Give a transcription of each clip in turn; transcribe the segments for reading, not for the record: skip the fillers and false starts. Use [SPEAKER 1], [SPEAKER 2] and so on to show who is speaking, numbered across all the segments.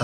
[SPEAKER 1] 좋다.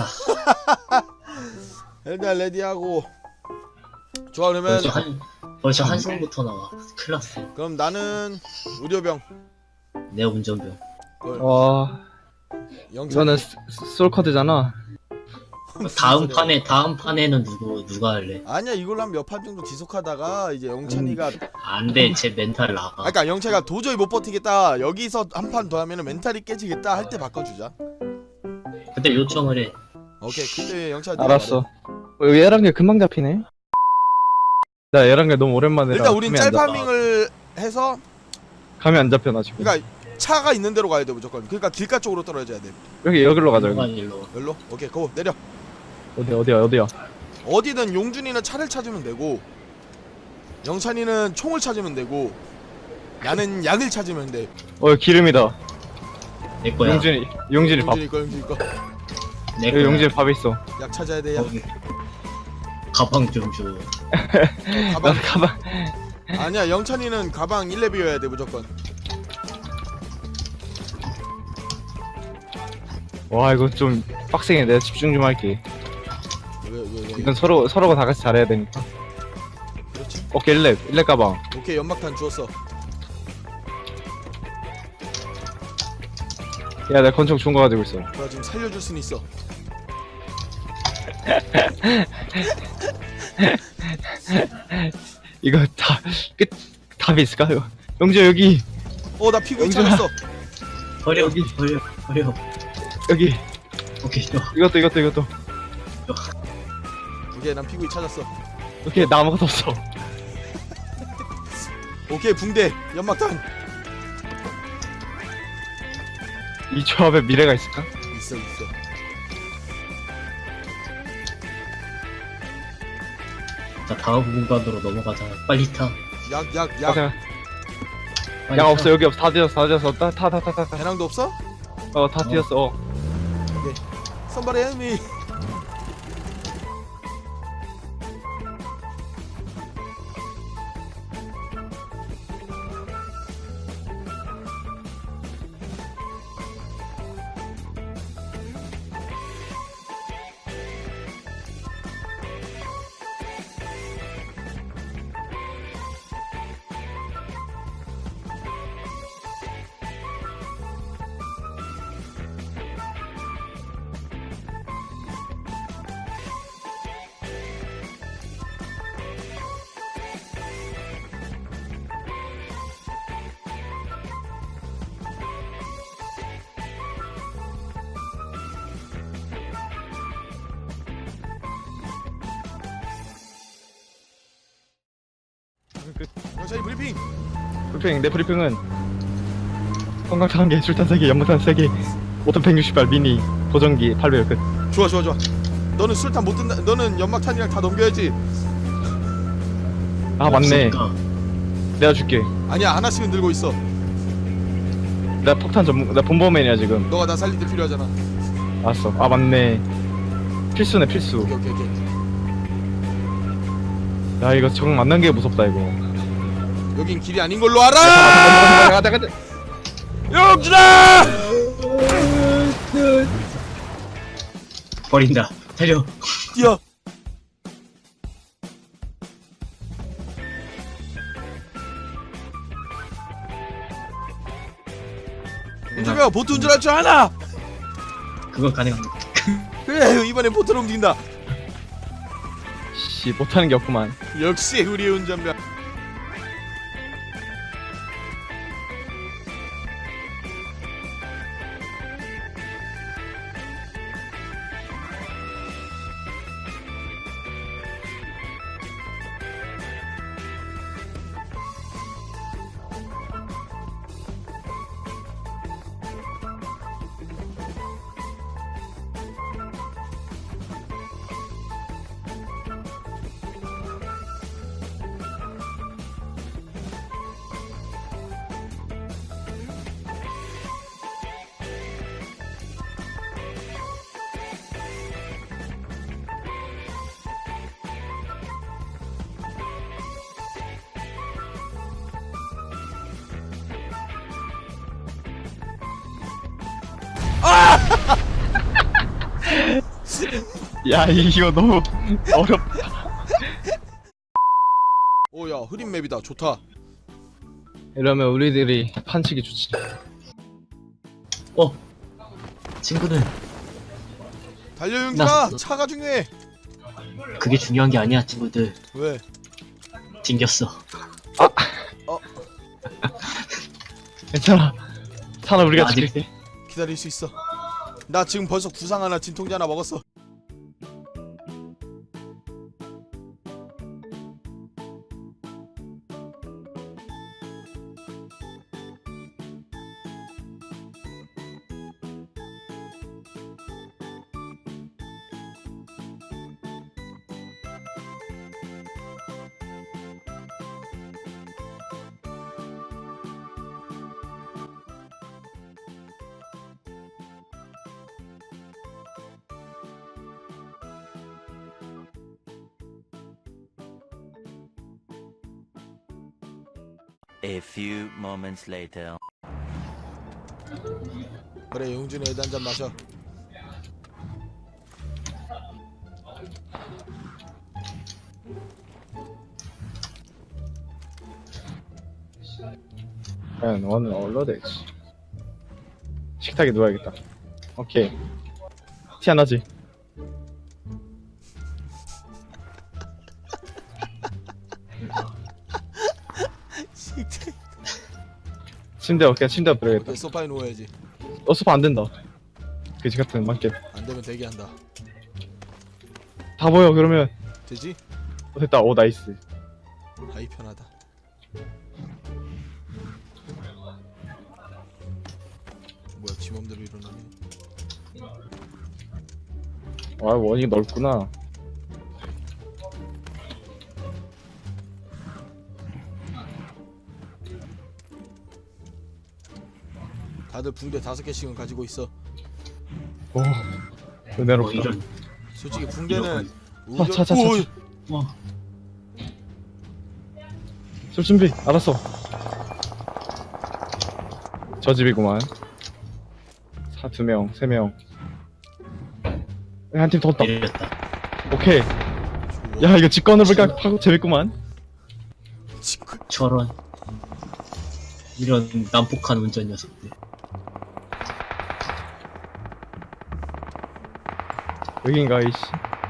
[SPEAKER 2] 일단 레디하고. 좋아, 그러면
[SPEAKER 1] 벌써 한승부터 나와. 큰일 났어.
[SPEAKER 2] 그럼 나는 의료병.
[SPEAKER 1] 내 운전병.
[SPEAKER 3] 와,
[SPEAKER 2] 영찬.
[SPEAKER 3] 이거는 솔커드잖아.
[SPEAKER 1] 다음 판에는 누가 할래?
[SPEAKER 2] 아니야, 이걸로 한 몇 판 정도 지속하다가 이제 영찬이가
[SPEAKER 1] 안 돼, 제 멘탈 나가.
[SPEAKER 2] 그러니까 영찬이가 도저히 못 버티겠다, 여기서 한 판 더 하면은 멘탈이 깨지겠다 할 때 바꿔주자.
[SPEAKER 1] 그때 요청을 해.
[SPEAKER 2] 오케이, 그때 영찬이
[SPEAKER 3] 알았어. 여기 얘랑 게 금방 잡히네. 나 얘랑 게 너무 오랜만에.
[SPEAKER 2] 일단 우린 짤파밍을 해서,
[SPEAKER 3] 감이 안 잡혀 나 지금.
[SPEAKER 2] 그러니까 차가 있는 데로 가야 돼 무조건. 그러니까 길가 쪽으로 떨어져야 돼.
[SPEAKER 3] 여기로 가자 여기.
[SPEAKER 1] 일로.
[SPEAKER 2] 열로? 오케이, 고 내려.
[SPEAKER 3] 어디야?
[SPEAKER 2] 어디든 용준이는 차를 찾으면 되고, 영찬이는 총을 찾으면 되고, 나는 약을 찾으면 돼.
[SPEAKER 3] 기름이다.
[SPEAKER 1] 내 거야.
[SPEAKER 3] 용진이 밥.
[SPEAKER 2] 용준이 거.
[SPEAKER 1] 내
[SPEAKER 3] 여기
[SPEAKER 1] 거야.
[SPEAKER 3] 용진이 밥 있어.
[SPEAKER 2] 약 찾아야 돼. 약.
[SPEAKER 1] 거기. 가방 좀 줘.
[SPEAKER 2] 가방.
[SPEAKER 3] 나 가방.
[SPEAKER 2] 아니야, 영찬이는 가방 1렙이어야 돼 무조건.
[SPEAKER 3] 와 이거 좀 빡세게. 내가 집중 좀 할게.
[SPEAKER 2] 왜?
[SPEAKER 3] 이건 서로가 다 같이 잘해야 되니까.
[SPEAKER 2] 그렇지.
[SPEAKER 3] 오케이 1렙 가방.
[SPEAKER 2] 오케이, 연막탄 주웠어.
[SPEAKER 3] 야 내가 권총 좋은 거 가지고 있어.
[SPEAKER 2] 나 지금 살려줄 수는 있어.
[SPEAKER 3] 이거 답이 있을까 이거? 영재 여기
[SPEAKER 2] 나 피구이
[SPEAKER 3] 영준아.
[SPEAKER 2] 찾았어.
[SPEAKER 1] 버려.
[SPEAKER 3] 여기.
[SPEAKER 1] 버려.
[SPEAKER 3] 여기
[SPEAKER 1] 오케이, 또.
[SPEAKER 3] 이것도.
[SPEAKER 2] 오케이, 난 피구이 찾았어.
[SPEAKER 3] 오케이 나 아무것도 없어.
[SPEAKER 2] 오케이, 붕대, 연막탄.
[SPEAKER 3] 이 조합에 미래가 있을까?
[SPEAKER 2] 있어.
[SPEAKER 1] 자, 다음 공간으로 넘어가자. 빨리 타.
[SPEAKER 2] 약.
[SPEAKER 1] 빨리
[SPEAKER 3] 야
[SPEAKER 1] 타.
[SPEAKER 3] 없어 여기 없어. 다 뒤졌어. 타.
[SPEAKER 2] 배낭도 없어?
[SPEAKER 3] 다 뒤졌어.
[SPEAKER 2] Somebody help me. 영찬이 브리핑.
[SPEAKER 3] 내 브리핑은 성광탄 1개, 술탄 3개, 연막탄 3개, 5톤 160발 미니, 보정기 800 끝.
[SPEAKER 2] 좋아. 너는 술탄 못 든다. 너는 연막탄이랑 다 넘겨야지.
[SPEAKER 3] 아 맞네.
[SPEAKER 1] 없으니까.
[SPEAKER 3] 내가 줄게.
[SPEAKER 2] 아니야, 하나씩은 들고 있어.
[SPEAKER 3] 나 폭탄 나 본범맨이야 지금.
[SPEAKER 2] 너가 나 살릴 때 필요하잖아.
[SPEAKER 3] 알았어. 아 맞네. 필수네 필수.
[SPEAKER 2] 오케이.
[SPEAKER 3] 야 이거 정 만난 게 무섭다 이거.
[SPEAKER 2] 여긴 길이 아닌 걸로 알아.
[SPEAKER 3] 가자.
[SPEAKER 2] 영준아!
[SPEAKER 1] 버린다. 달려.
[SPEAKER 2] 뛰어. 영준아, 보트 운전할 줄 아나?
[SPEAKER 1] 그건 가능합니다.
[SPEAKER 2] 그래, 이번엔 보트로 움직인다.
[SPEAKER 3] 씨 못하는 게 없구만.
[SPEAKER 2] 역시 우리의 운전병.
[SPEAKER 3] 야 이거 너무 어렵다.
[SPEAKER 2] 오야 흐린 맵이다. 좋다.
[SPEAKER 3] 이러면 우리들이 판치기 좋지.
[SPEAKER 1] 친구들,
[SPEAKER 2] 달려 용준아. 차가 중요해.
[SPEAKER 1] 그게 중요한 게 아니야, 친구들.
[SPEAKER 2] 왜?
[SPEAKER 1] 튕겼어.
[SPEAKER 3] 괜찮아. 산아 우리가
[SPEAKER 1] 아직-
[SPEAKER 3] 지킬게.
[SPEAKER 2] 기다릴 수 있어. 나 지금 벌써 구상 하나, 진통제 하나 먹었어.
[SPEAKER 4] A few moments later.
[SPEAKER 2] 그래 용준이 애도 한잔 마셔.
[SPEAKER 3] 과연 오늘 얼로 될지. 식탁에 누워야겠다. 오케이. 티 안 나지? 침대 어깨 침대 엎드려야겠다.
[SPEAKER 2] 그래, 소파에 누워야지.
[SPEAKER 3] 소파 안 된다. 그지 같은 만개.
[SPEAKER 2] 안 되면 대기한다.
[SPEAKER 3] 다 보여 그러면.
[SPEAKER 2] 되지?
[SPEAKER 3] 됐다. 오 나이스.
[SPEAKER 2] 아이 편하다. 뭐야 지 맘대로 일어나네.
[SPEAKER 3] 아 원이 넓구나.
[SPEAKER 2] 다들 붕대 5개씩은 가지고 있어.
[SPEAKER 3] 오 은혜롭다.
[SPEAKER 1] 이런.
[SPEAKER 2] 솔직히 붕대는
[SPEAKER 3] 차, 차, 차,
[SPEAKER 2] 오이,
[SPEAKER 3] 술 준비. 알았어. 저 집이구만. 2명 3명. 한 팀 더 온다.
[SPEAKER 1] 내렸다.
[SPEAKER 3] 오케이. 야 이거 직관을 볼까 파고 재밌구만.
[SPEAKER 2] 지금
[SPEAKER 1] 저런. 이런 난폭한 운전 녀석들.
[SPEAKER 3] 여긴가 이씨.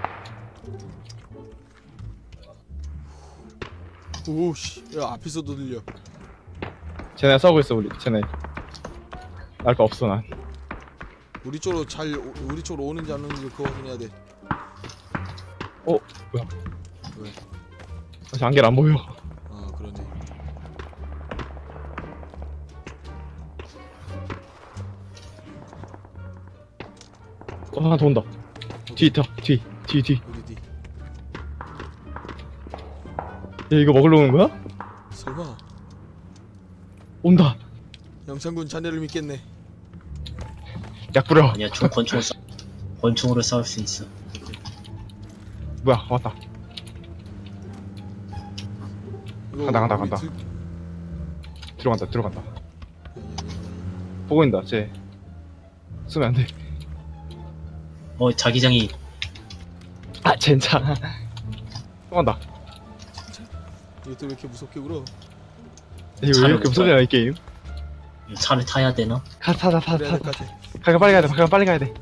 [SPEAKER 2] 오씨 야 앞에서도 들려.
[SPEAKER 3] 쟤네 싸우고 있어 우리. 쟤네. 알 거 없어 난.
[SPEAKER 2] 우리 쪽으로 우리 쪽으로 오는지 안 오는지 그거 확인해야 돼.
[SPEAKER 3] 뭐야?
[SPEAKER 2] 왜?
[SPEAKER 3] 아직 안개를 안 보여.
[SPEAKER 2] 아 그러네.
[SPEAKER 3] 하나 더 온다. 뒤 있다. 뒤.
[SPEAKER 2] 우리 뒤.
[SPEAKER 3] 야 이거 먹으러 오는 거야?
[SPEAKER 2] 설마
[SPEAKER 3] 온다.
[SPEAKER 2] 영창군 자네를 믿겠네.
[SPEAKER 3] 약 뿌려.
[SPEAKER 1] 아니야, 권총으로 싸울 수 있어.
[SPEAKER 3] 뭐야 왔다.
[SPEAKER 2] 이거
[SPEAKER 3] 간다,
[SPEAKER 2] 우리
[SPEAKER 3] 간다.
[SPEAKER 2] 들-
[SPEAKER 3] 들어간다. 보고 있다. 쟤 쏘면 안 돼.
[SPEAKER 1] 자기장이
[SPEAKER 3] 아 젠장. 또 간다.
[SPEAKER 2] 이것도 왜 이렇게 무섭게 울어?
[SPEAKER 3] 이거 왜
[SPEAKER 1] 차를
[SPEAKER 3] 이렇게 무서냐 이 게임?
[SPEAKER 1] 차를 타야 되나?
[SPEAKER 3] 타자.
[SPEAKER 2] 그래야 될 것 같아.
[SPEAKER 3] 가가 빨리 가야 돼. 가가 빨리 가야 돼.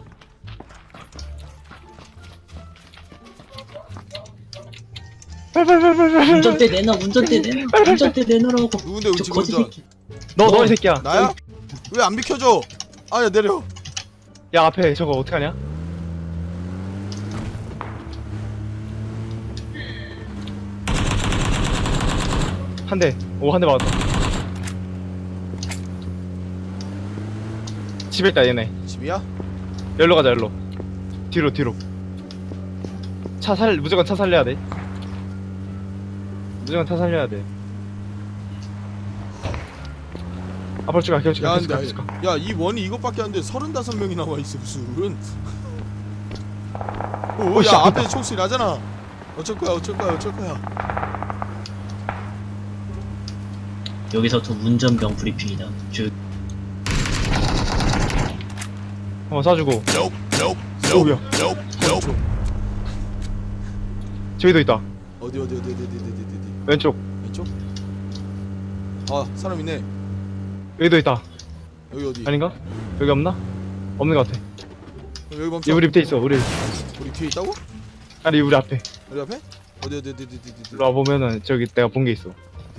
[SPEAKER 3] 빨리.
[SPEAKER 1] 운전대 내놔라고.
[SPEAKER 2] 누군데 우리
[SPEAKER 1] 저
[SPEAKER 2] 지금
[SPEAKER 1] 거지
[SPEAKER 2] 운전?
[SPEAKER 1] 새끼.
[SPEAKER 3] 너 이 새끼야.
[SPEAKER 2] 나야? 왜 안 비켜줘? 아야 내려.
[SPEAKER 3] 야 앞에 저거 어떡하냐? 한 대. 오 한 대 맞았다. 집에 있다 얘네.
[SPEAKER 2] 집이야?
[SPEAKER 3] 열로 가자 열로. 뒤로. 무조건 차 살려야 돼. 무조건 차 살려야 돼. 앞으로 쭉 가. 계속
[SPEAKER 2] 야
[SPEAKER 3] 가.
[SPEAKER 2] 근데 야이 원이 이것밖에 안 돼. 35명이 나와 있어 무슨.
[SPEAKER 3] 씨,
[SPEAKER 2] 오야
[SPEAKER 3] 아프다.
[SPEAKER 2] 앞에 총소리 나잖아. 어쩔 거야.
[SPEAKER 1] 여기서부터 운전병 브리핑이다.
[SPEAKER 3] 한번 쏴주고. 오우야.
[SPEAKER 2] 권총.
[SPEAKER 3] 저기도 있다.
[SPEAKER 2] 어디
[SPEAKER 3] 왼쪽.
[SPEAKER 2] 왼쪽? 아 사람 있네.
[SPEAKER 3] 여기도 있다.
[SPEAKER 2] 여기 어디?
[SPEAKER 3] 아닌가? 여기 없나? 없는 것 같아.
[SPEAKER 2] 여기 멈춰.
[SPEAKER 3] 얘 우리 밑에 있어. 우리
[SPEAKER 2] 뒤에 있다고?
[SPEAKER 3] 아니 우리 앞에.
[SPEAKER 2] 우리 앞에? 어디
[SPEAKER 3] 일로 와 보면은 저기 내가 본 게 있어.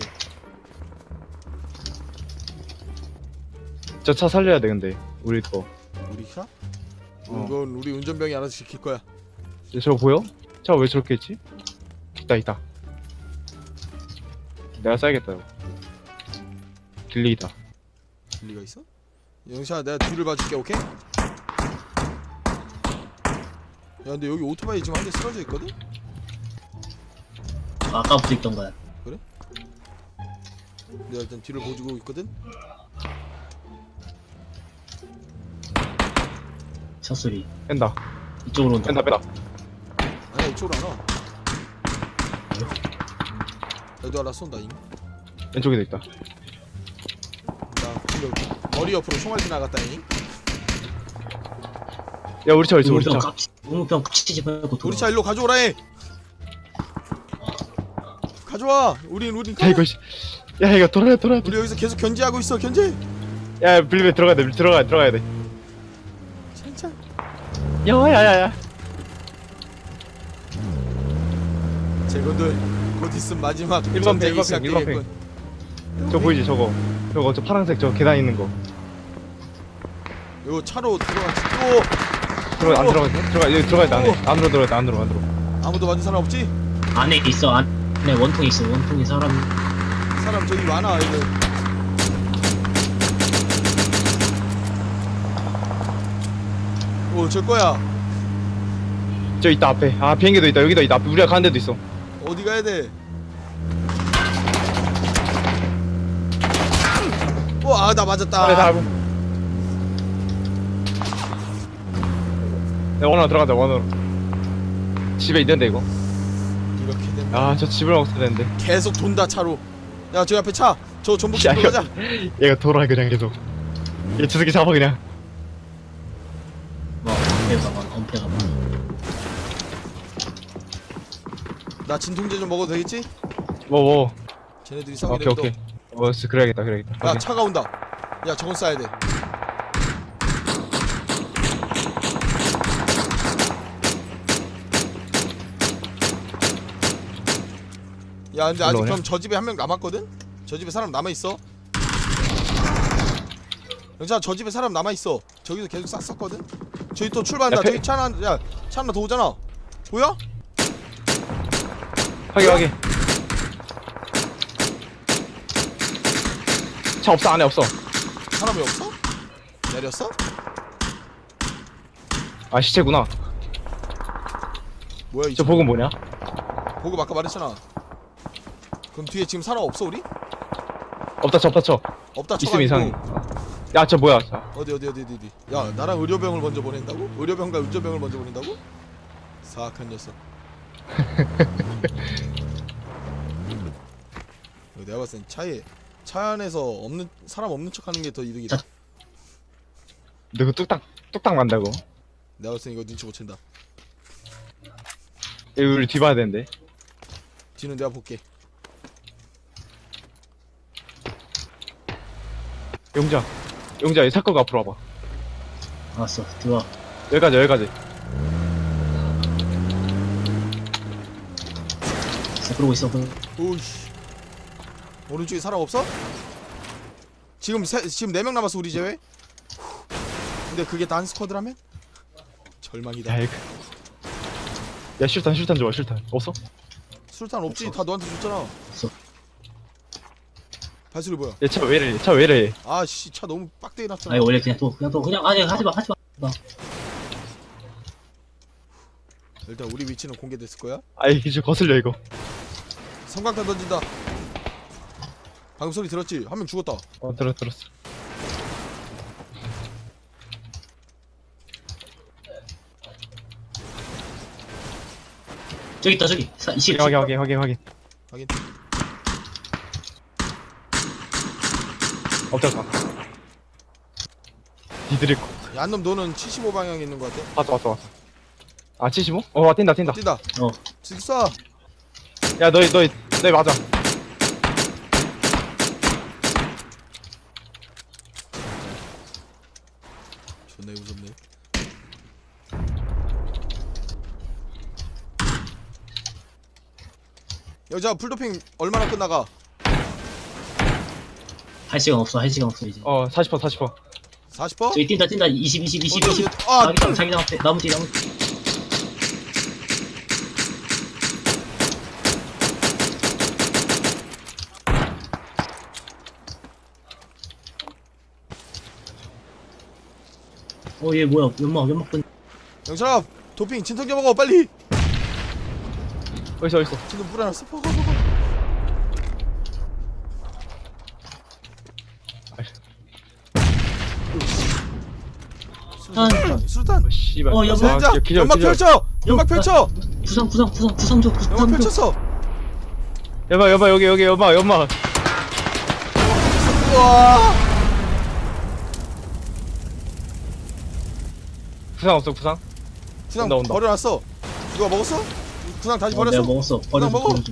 [SPEAKER 3] 저 차 살려야 돼 근데 우리 거.
[SPEAKER 2] 우리 차?
[SPEAKER 3] 어.
[SPEAKER 2] 이건 우리 운전병이 알아서 지킬 거야.
[SPEAKER 3] 저거 보여? 차 왜 저렇게 했지? 있다. 내가 쏴야겠다 이거. 길리기다.
[SPEAKER 2] 리가 있어? 영샤 내가 뒤를 봐줄게. 오케이? 야 근데 여기 오토바이 지금 한 대 쓰러져 있거든?
[SPEAKER 1] 아까부터 있던 거야.
[SPEAKER 2] 내가 일단 뒤를 보여주고 있거든?
[SPEAKER 1] 차 소리.
[SPEAKER 3] 뺀다.
[SPEAKER 1] 이쪽으로 온다.
[SPEAKER 3] 뺀다.
[SPEAKER 2] 아니야 이쪽으로 안 와. 얘도 알아 쏜다 잉.
[SPEAKER 3] 왼쪽에도 있다.
[SPEAKER 2] 나 근데 머리 옆으로 총알 지나갔다 잉.
[SPEAKER 3] 야 우리 차 어딨어 우리 차.
[SPEAKER 1] 우무병 깝치지 말고 돌아.
[SPEAKER 2] 우리 차 일로 가져오라 해. 가져와. 우린
[SPEAKER 3] 야 이거 씨. 야 이거 돌아야 돼.
[SPEAKER 2] 우리 여기서 계속 견제하고 있어. 견제.
[SPEAKER 3] 야 빌리베 들어가야 돼. 들어가야 돼.
[SPEAKER 2] 진짜.
[SPEAKER 3] 야야야야.
[SPEAKER 2] 제군들 곧 있으면 마지막
[SPEAKER 3] 일반 팽,
[SPEAKER 2] 전쟁이
[SPEAKER 3] 일반
[SPEAKER 2] 시작되겠군.
[SPEAKER 3] 저 보이지 저거. 저 파란색 저 계단 있는 거.
[SPEAKER 2] 요 차로 들어가지.
[SPEAKER 3] 안 들어가. 여기 들어가야 돼 안에. 안으로 들어가야 돼 안으로.
[SPEAKER 2] 아무도 맞은 사람 없지?
[SPEAKER 1] 안에 있어. 안에 원통 있어. 원통에 사람.
[SPEAKER 2] 사람 저기 많아 이거. 오, 저 거야.
[SPEAKER 3] 저 있다 앞에. 아 비행기도 있다. 여기도 있다. 앞에 우리가 가는 데도 있어.
[SPEAKER 2] 어디 가야 돼? 와, 나 맞았다.
[SPEAKER 3] 그래 다. 야 원으로 들어가자 원으로. 집에 있는데 이거.
[SPEAKER 2] 이렇게 되면
[SPEAKER 3] 아 저 집을 먹어야 되는데.
[SPEAKER 2] 계속 돈다 차로. 야, 저기 앞에 차. 저 전복
[SPEAKER 3] 야,
[SPEAKER 2] 집으로 가자.
[SPEAKER 3] 얘가 돌아 그냥 계속. 얘저 새끼 잡아 그냥.
[SPEAKER 1] 뭐 엄폐가 봐.
[SPEAKER 2] 나 진통제 좀 먹어도 되겠지?
[SPEAKER 3] 뭐.
[SPEAKER 2] 쟤네들이 싸우게
[SPEAKER 3] 오케이
[SPEAKER 2] 되면
[SPEAKER 3] 오케이. 그래야겠다.
[SPEAKER 2] 야,
[SPEAKER 3] 오케이.
[SPEAKER 2] 차가 온다. 야, 저건 쏴야 돼. 야, 근데 아직
[SPEAKER 3] 올라오냐?
[SPEAKER 2] 그럼 저 집에 한 명 남았거든? 저 집에 사람 남아있어. 영찬아, 저 집에 사람 남아있어. 저기서 계속 싹 쐈거든? 저기 또 출발한다.
[SPEAKER 3] 야,
[SPEAKER 2] 저기 차 하나, 야, 차 하나 더 오잖아. 보여?
[SPEAKER 3] 확인. 차 없어 안에 없어.
[SPEAKER 2] 사람이 없어? 내렸어?
[SPEAKER 3] 아 시체구나.
[SPEAKER 2] 뭐야, 이
[SPEAKER 3] 저
[SPEAKER 2] 차.
[SPEAKER 3] 복은 뭐냐?
[SPEAKER 2] 보급 아까 말했잖아. 그럼 뒤에 지금 사람 없어, 우리?
[SPEAKER 3] 없다 쳐.
[SPEAKER 2] 없다,
[SPEAKER 3] 있으면 이상해.
[SPEAKER 2] 쳐가지고.
[SPEAKER 3] 야 저 뭐야? 자,
[SPEAKER 2] 어디. 야, 나랑 의료병을 먼저 보낸다고? 의료병과 운전병을 먼저 보낸다고? 사악한 녀석. 내가 봤을 땐 차 안에서 사람 없는 척하는 게 더 이득이다.
[SPEAKER 3] 너 그 뚝딱 만다고?
[SPEAKER 2] 내가 봤을 땐 이거 눈치 못 챈다.
[SPEAKER 3] 여기 우리 뒤 봐야 되는데.
[SPEAKER 2] 뒤는 내가 볼게.
[SPEAKER 3] 용자 이 사건 앞으로 와봐.
[SPEAKER 1] 알았어. 들어와.
[SPEAKER 3] 여기까지.
[SPEAKER 1] 자, 그러고 있어.
[SPEAKER 2] 오이씨. 오른쪽에 사람 없어? 지금 4명 남았어, 우리 제외. 근데 그게 다 한 스쿼드라면? 절망이다.
[SPEAKER 3] 야 이거. 야 실탄 좋아 실탄. 없어?
[SPEAKER 2] 술탄 없지? 다 너한테 줬잖아.
[SPEAKER 1] 없어.
[SPEAKER 2] 발소리 뭐야?
[SPEAKER 3] 얘 차 왜 이래?
[SPEAKER 2] 아씨, 차 너무 빡대게 났잖아.
[SPEAKER 1] 아니 원래 그냥 아니 하지 마.
[SPEAKER 2] 일단 우리 위치는 공개됐을 거야.
[SPEAKER 3] 아이 기술 거슬려 이거.
[SPEAKER 2] 성광탄 던진다. 방금 소리 들었지? 한 명 죽었다.
[SPEAKER 3] 들었어.
[SPEAKER 1] 저기 있다 저기. 이실.
[SPEAKER 3] 확인.
[SPEAKER 2] 확인.
[SPEAKER 3] 엎드렸다. 니들이
[SPEAKER 2] 야, 한놈 너는 75방향에 있는 거 같아.
[SPEAKER 3] 왔어. 아 75? 뛴다.
[SPEAKER 2] 뛴다.
[SPEAKER 1] 어.
[SPEAKER 2] 지금 쏴.
[SPEAKER 3] 야 너희 맞아.
[SPEAKER 2] 존나 무섭네. 여자 풀도핑 얼마나 끝나가?
[SPEAKER 1] 할 시간 없어 이제.
[SPEAKER 3] 40%.
[SPEAKER 2] 40%?
[SPEAKER 1] 저기 뛴다 20
[SPEAKER 2] 아,
[SPEAKER 1] 자기장 앞에 나무 뒤 얘 뭐야 연막 끈.
[SPEAKER 2] 영철아 도핑 진통제 먹어 빨리.
[SPEAKER 3] 어딨어.
[SPEAKER 2] 진통 뿌려놨어. 수류탄.
[SPEAKER 3] 씨발.
[SPEAKER 1] 연막.
[SPEAKER 2] 자, 연막 펼쳐. 연막 펼쳐.
[SPEAKER 1] 구상 줘
[SPEAKER 2] 연막 펼쳤어.
[SPEAKER 3] 여봐 여기 연막.
[SPEAKER 2] 우와.
[SPEAKER 3] 구상 없어 구상?
[SPEAKER 2] 구상
[SPEAKER 3] 온다.
[SPEAKER 2] 버려놨어. 누가 먹었어? 구상 다시 버렸어?
[SPEAKER 1] 내가 먹었어.
[SPEAKER 2] 그냥 먹어.
[SPEAKER 1] 버려줘.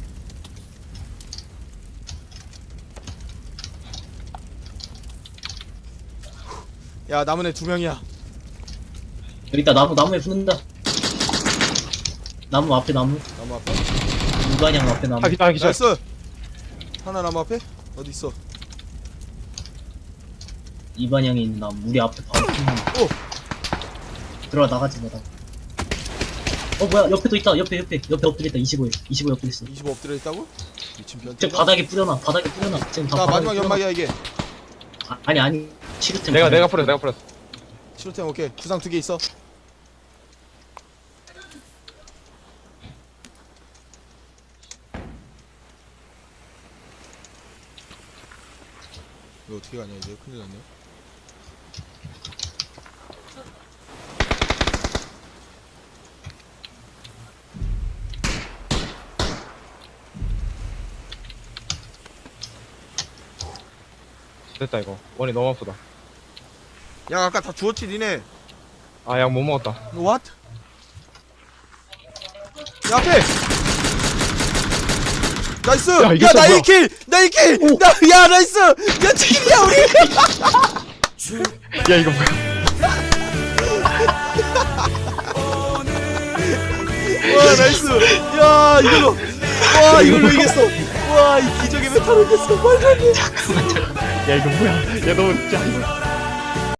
[SPEAKER 2] 야 남은 애 2명이야.
[SPEAKER 1] 여기 있다 나무에 붙는다. 나무 앞에
[SPEAKER 2] 나무 앞에.
[SPEAKER 1] 무관양 앞에 나무.
[SPEAKER 3] 기절.
[SPEAKER 2] 나이스. 하나 나무 앞에? 어디 있어?
[SPEAKER 1] 이 방향에 있는 나무 우리 앞에 바로 붙는.
[SPEAKER 2] 오.
[SPEAKER 1] 들어가 나가지 마라. 뭐야 옆에도 있다. 옆에 엎드려 있다. 25 옆에 있어.
[SPEAKER 2] 25 엎드려 있다고? 미친 변태.
[SPEAKER 1] 저 바닥에 뿌려놔. 지금 다
[SPEAKER 2] 자
[SPEAKER 1] 바닥에
[SPEAKER 2] 마지막
[SPEAKER 1] 뿌려놔.
[SPEAKER 2] 연막이야 이게.
[SPEAKER 1] 아니 치료템.
[SPEAKER 3] 내가 뿌렸어.
[SPEAKER 2] 치료템 오케이. 구상 2개 있어. 이거 어떻게 가냐 이제 큰일 났네.
[SPEAKER 3] 됐다 이거. 원이 너무 아프다.
[SPEAKER 2] 야 아까 다 주웠지 니네.
[SPEAKER 3] 약 못 먹었다.
[SPEAKER 2] What? 야 앞에. 나이스.
[SPEAKER 3] 야, 이게
[SPEAKER 2] 야
[SPEAKER 3] 또
[SPEAKER 2] 나
[SPEAKER 3] 뭐야?
[SPEAKER 2] 1킬. 야 나이스. 야 치킨이야 우리.
[SPEAKER 3] 야 이거 뭐야?
[SPEAKER 2] 와 나이스. 야 이걸로. 와 이걸로 이겼어. 와 이 기적의 메타로 이겼어. 말도 안 돼.
[SPEAKER 3] 야 이거 뭐야? 야 너 진짜.